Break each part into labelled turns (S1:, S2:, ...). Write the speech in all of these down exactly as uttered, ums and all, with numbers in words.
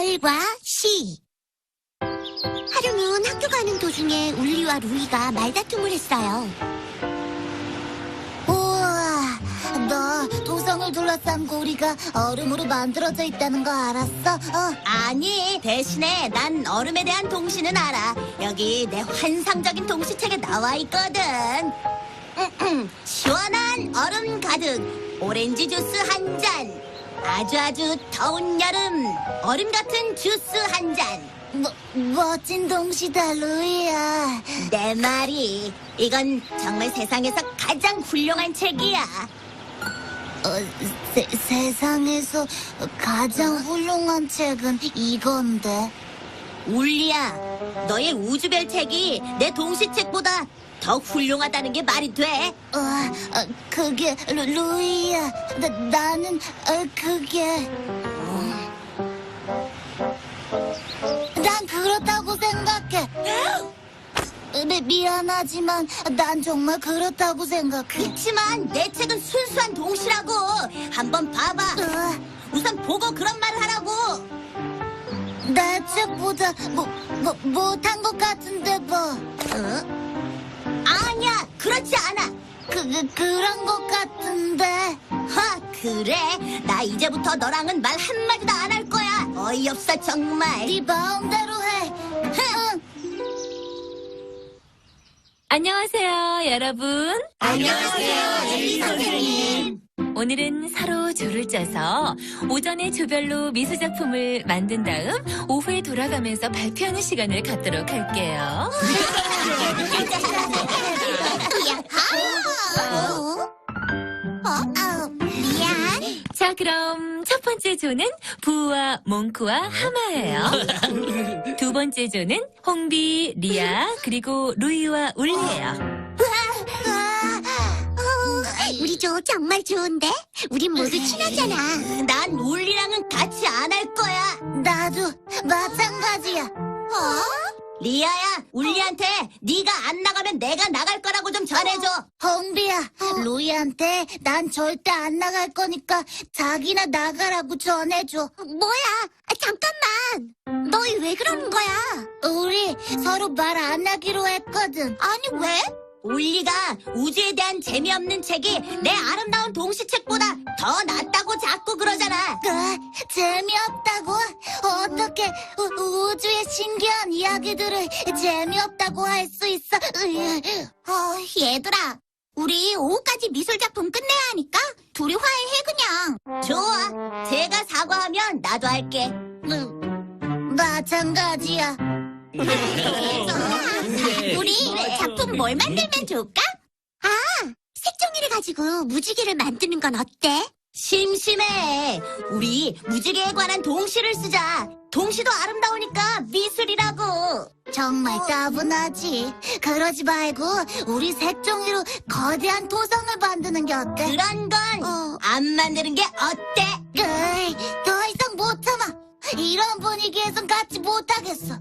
S1: 글과 시. 하루는 학교 가는 도중에 울리와 루이가 말다툼을 했어요.
S2: 우와, 너 도성을 둘러싼 고리가 얼음으로 만들어져 있다는 거 알았어? 어.
S1: 아니, 대신에 난 얼음에 대한 동시는 알아. 여기 내 환상적인 동시책에 나와 있거든. 시원한 얼음 가득, 오렌지 주스 한 잔. 아주 아주 더운 여름, 얼음 같은 주스 한 잔.
S2: 뭐, 멋진 동시다, 루이야.
S1: 내 말이, 이건 정말 세상에서 가장 훌륭한 책이야.
S2: 어, 세, 세상에서 가장 훌륭한 책은 이건데.
S1: 울리야, 너의 우주별 책이 내 동시책보다 더 훌륭하다는 게 말이 돼?
S2: 어, 어, 그게 루, 루이야. 나, 나는 어, 그게 난 그렇다고 생각해. 미, 미안하지만 난 정말 그렇다고 생각해.
S1: 그치만 내 책은 순수한 동시라고. 한번 봐봐.
S2: 어,
S1: 우선 보고 그런 말을 하라고.
S2: 내 책보다 뭐, 뭐, 못한 것 같은데 뭐.
S1: 어? 아니야, 그렇지 않아.
S2: 그, 그, 그런 것 같은데.
S1: 하, 그래. 나 이제부터 너랑은 말 한마디도 안 할 거야. 어이없어, 정말.
S2: 네 마음대로 해. 응.
S3: 안녕하세요, 여러분.
S1: 안녕하세요, 엘리 선생님.
S3: 오늘은 서로 조를 짜서 오전에 조별로 미술작품을 만든 다음 오후에 돌아가면서 발표하는 시간을 갖도록 할게요.
S1: 어? 어? 미안.
S3: 자, 그럼 첫 번째 조는 부와 몽크와 하마예요. 두 번째 조는 홍비, 리아, 그리고 루이와 울리예요.
S1: 우리 조 정말 좋은데? 우린 모두 친하잖아. 난 울리랑은 같이 안 할 거야.
S2: 나도 마찬가지야.
S1: 어? 리아야, 울리한테 네가 안 나가면 내가 나갈 거라고 좀 전해줘.
S2: 홍비야, 루이한테 난 절대 안 나갈 거니까 자기나 나가라고 전해줘.
S1: 뭐야? 아, 잠깐만. 너희 왜 그러는 거야?
S2: 우리 서로 말 안 하기로 했거든.
S1: 아니, 왜? 울리가 우주에 대한 재미없는 책이 내 아름다운 동시책보다 더 낫다고 자꾸 그러잖아.
S2: 그, 재미없다고? 어떻게 우, 우주의 신기한 이야기들을 재미없다고 할 수 있어? 으이.
S1: 어, 얘들아. 우리 오후까지 미술작품 끝내야 하니까 둘이 화해해 그냥. 좋아. 제가 사과하면 나도 할게.
S2: 음, 마찬가지야.
S1: 우리 작품 뭘 만들면 좋을까? 아, 색종이를 가지고 무지개를 만드는 건 어때? 심심해. 우리 무지개에 관한 동시를 쓰자. 동시도 아름다우니까 미술이라고.
S2: 정말 따분하지. 그러지 말고 우리 색종이로 거대한 토성을 만드는 게 어때?
S1: 그런 건 안
S2: 어.
S1: 만드는 게 어때?
S2: 으이, 더 이상 못 참아. 이런 분위기에선 같이 못하겠어.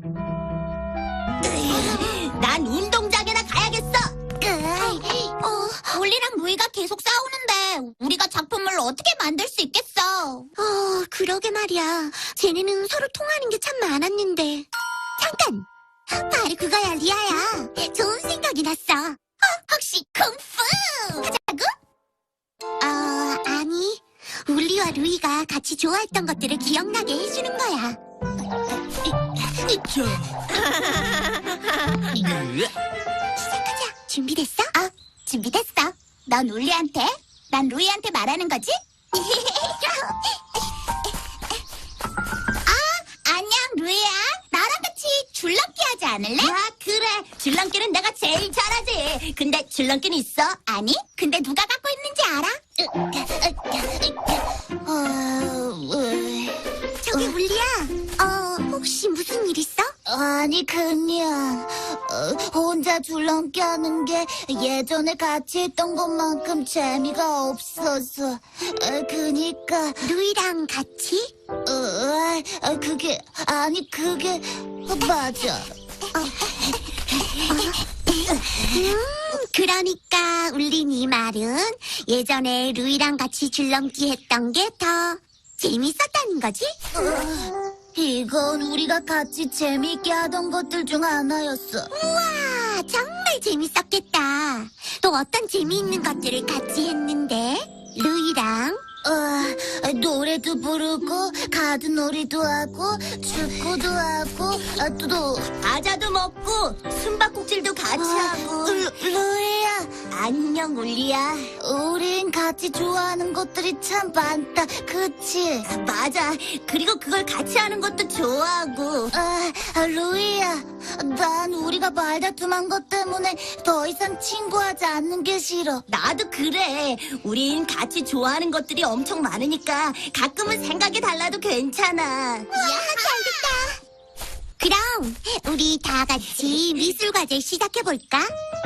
S1: 난 운동장에나 가야겠어.
S2: 으이,
S1: 어, 울리랑 루이가 계속 싸우는데 우리가 작품을 어떻게 만들 수 있겠어? 어, 그러게 말이야. 쟤네는 서로 통하는 게 참 많았는데. 잠깐! 바로 그거야, 리아야. 좋은 생각이 났어. 어, 혹시 쿵푸! 하자고? 어, 아니. 울리와 루이가 같이 좋아했던 것들을 기억나게 해주는 거야. 시작하자. 준비됐어? 어, 준비됐어. 넌 울리한테, 난 루이한테 말하는 거지? 아, 안녕, 루이야. 나랑 같이 줄넘기 하지 않을래? 아, 그래. 줄넘기는 내가 제일 잘하지. 근데 줄넘기는 있어? 아니, 근데 누가 갖고 있는지 알아?
S2: 어, 으이.
S1: 저기, 울리야. 어, 혹시 무슨 일 있어?
S2: 아니 그냥 어, 혼자 줄넘기 하는 게 예전에 같이 했던 것만큼 재미가 없어서 어, 그니까
S1: 루이랑 같이?
S2: 어, 어, 그게 아니 그게 어, 맞아.
S1: 음, 그러니까 울린 이 말은 예전에 루이랑 같이 줄넘기 했던 게 더 재밌었다는 거지?
S2: 이건 우리가 같이 재미있게 하던 것들 중 하나였어.
S1: 우와, 정말 재밌었겠다. 또 어떤 재미있는 것들을 같이 했는데? 루이랑
S2: 어, 노래도 부르고 가드놀이도 하고 축구도 하고 아, 또, 또
S1: 과자도 먹고 숨바꼭질도 같이 하고.
S2: 루, 루이야,
S1: 안녕, 울리야.
S2: 우린 같이 좋아하는 것들이 참 많다, 그치?
S1: 맞아. 그리고 그걸 같이 하는 것도 좋아하고.
S2: 아, 아, 루이야, 난 우리가 말다툼한 것 때문에 더 이상 친구하지 않는 게 싫어.
S1: 나도 그래. 우린 같이 좋아하는 것들이 엄청 많으니까 가끔은 생각이 달라도 괜찮아.
S2: 야,
S1: 잘됐다. 그럼 우리 다 같이 미술 과제 시작해 볼까?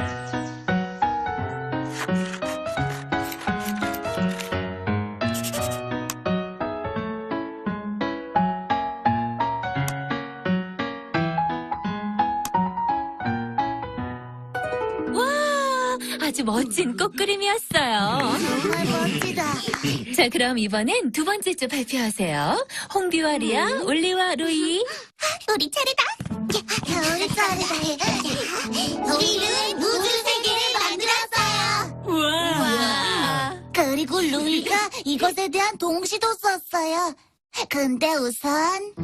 S3: 와, 아주 멋진 꽃그림이었어요.
S2: 정말 멋지다.
S3: 자, 그럼 이번엔 두 번째 주 발표하세요. 홍비와 리아, 올리와 루이.
S1: 우리 차례다.
S2: 우리 차례다.
S1: 우리는 우주 세계를 만들었어요.
S3: 우와.
S2: 그리고 루이가 이것에 대한 동시도 썼어요. 근데 우선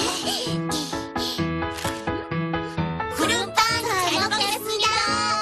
S1: 구름빵 잘 먹겠습니다.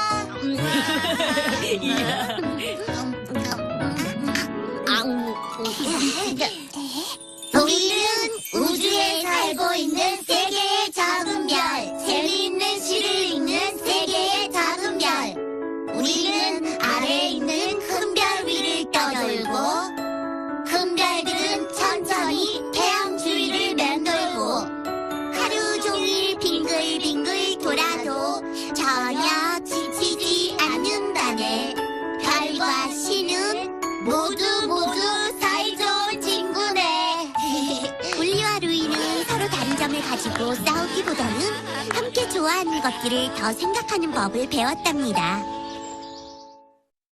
S2: 우리는 우주에 살고 있는 세 개의 작은 별, 재미있는 시를 읽는 세 개의 작은 별. 우리는 아래에 있는 큰 별 위를 떠돌고, 큰 별들은 천천히 태양 주위를 맴돌고, 하루 종일 빙글빙글 돌아도 전혀 지치지 않는다네. 별과 시는 모두 모두 사이좋은 친구네.
S1: 울리와 루이는 서로 다른 점을 가지고 싸우기보다는 함께 좋아하는 것들을 더 생각하는 법을 배웠답니다.